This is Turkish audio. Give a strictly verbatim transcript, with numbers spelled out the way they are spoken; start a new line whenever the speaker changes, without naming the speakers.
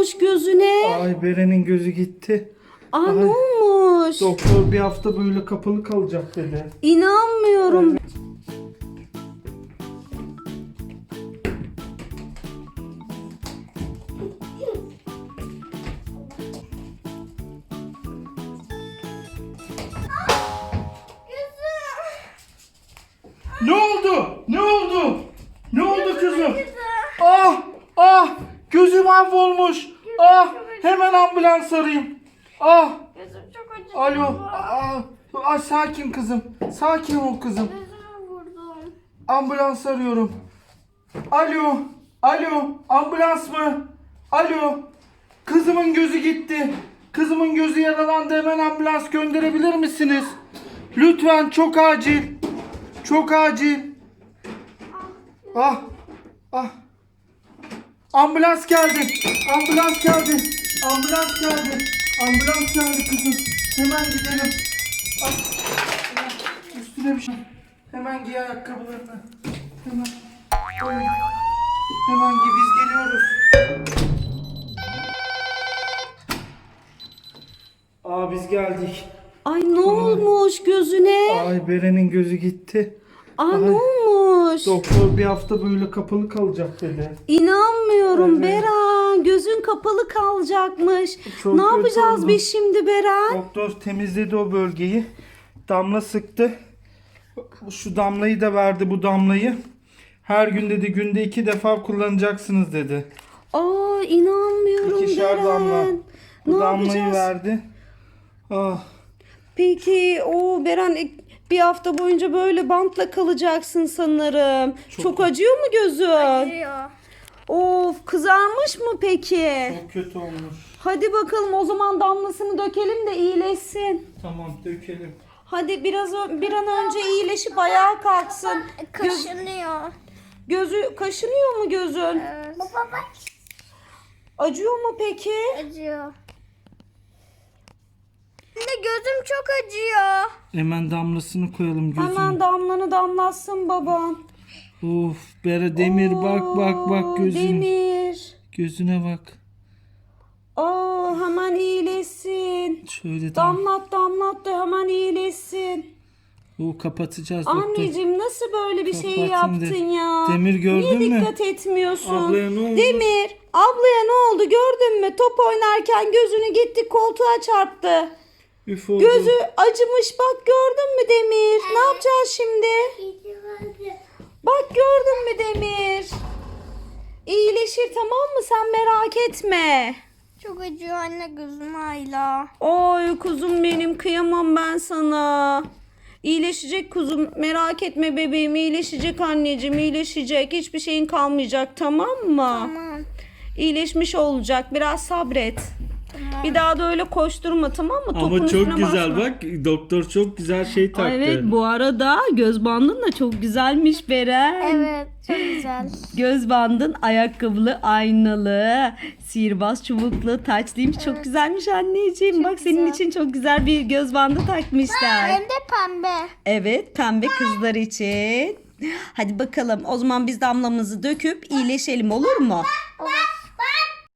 olmuş gözüne?
Ay Beren'in gözü gitti.
Aa
Ay.
ne olmuş?
Doktor bir hafta böyle kapalı kalacak dedi.
İnanmıyorum.
Ne oldu? Ne oldu? Ne oldu kızım? Ah! Ah! Gözü mahvolmuş. Ah! Hemen ambulans arayayım. Ah!
Gözüm çok acıdı.
Alo. Ah! Ah, sakin kızım. Sakin ol kızım.
Gözüme vurdum.
Ambulans arıyorum. Alo. Alo. Ambulans mı? Alo. Kızımın gözü gitti. Kızımın gözü yaralandı. Hemen ambulans gönderebilir misiniz? Lütfen, çok acil. Çok acil. Ah. Ah. Ambulans geldi. Ambulans geldi. Ambulans geldi. Ambulans geldi kızım. Hemen gidelim. Ah. Üstüne bir şey. Hemen giy ayakkabılarını. Hemen. Hemen, Hemen giy, biz geliyoruz. Aa, biz geldik.
Ay ne olmuş gözüne?
Ay Beren'in gözü gitti.
Aa
Ay.
ne olmuş?
Doktor bir hafta böyle kapalı kalacak dedi.
İnanmıyorum
Evet.
Beren. Gözün kapalı kalacakmış.
Çok
ne
kötü
yapacağız
oldu.
biz şimdi Beren?
Doktor temizledi o bölgeyi. Damla sıktı. Şu damlayı da verdi, bu damlayı. Her gün dedi, günde iki defa kullanacaksınız dedi.
Aa inanmıyorum
İkişer
Beren.
damla. Bu
Ne
damlayı
yapacağız?
verdi. Ah.
Peki o Beren bir hafta boyunca böyle bantla kalacaksın sanırım. Çok,
Çok-
acıyor mu gözün?
Acıyor.
Of kızarmış mı peki?
Çok kötü olmuş.
Hadi bakalım o zaman damlasını dökelim de iyileşsin.
Tamam, dökelim.
Hadi biraz ö- bir an önce iyileşip ayağa kalksın. Göz,
Kaşınıyor.
gözü kaşınıyor mu gözün?
Evet. Baba bak.
Acıyor mu peki?
Acıyor. Anne gözüm çok acıyor.
Hemen damlasını koyalım gözüne.
Hemen damlanı damlatsın baban.
Of Bere, Demir, bak bak bak
Oo,
gözüne.
Demir.
Gözüne bak.
Aa hemen iyileşsin.
Şöyle dam.
Damlat damlat da hemen iyileşsin.
O kapatacağız doktor.
Anneciğim nasıl böyle bir şey
Kapatın
yaptın
de.
ya?
Demir, gördün
Niye
mü?
dikkat etmiyorsun?
Ablaya ne oldu?
Demir, ablaya ne oldu gördün mü? Top oynarken gözünü gitti koltuğa çarptı.
Üf oldu.
Gözü acımış bak gördün mü Demir? Ne yapacağız şimdi? Bak gördün mü Demir? İyileşir tamam mı? Sen merak etme.
Çok acıyor anne gözüm hala.
Oy kuzum benim kıyamam ben sana. İyileşecek kuzum merak etme bebeğim iyileşecek anneciğim iyileşecek. Hiçbir şeyin kalmayacak tamam mı?
Tamam.
İyileşmiş olacak biraz sabret.
Tamam.
Bir daha da öyle koşturma tamam mı? Topun
Ama
üstüne
çok güzel
basma.
bak, doktor çok güzel şey taktı.
Ay evet bu arada göz bandın da çok güzelmiş Beren.
Evet çok güzel.
Göz bandın ayakkabılı, aynalı, sihirbaz çubuklu, taçlıymış. Çok güzelmiş anneciğim. Bak senin
güzel.
için çok güzel bir göz bandı takmışlar.
Hem de pembe.
Evet pembe kızlar için. Hadi bakalım o zaman biz damlamızı döküp iyileşelim olur mu?
Olur.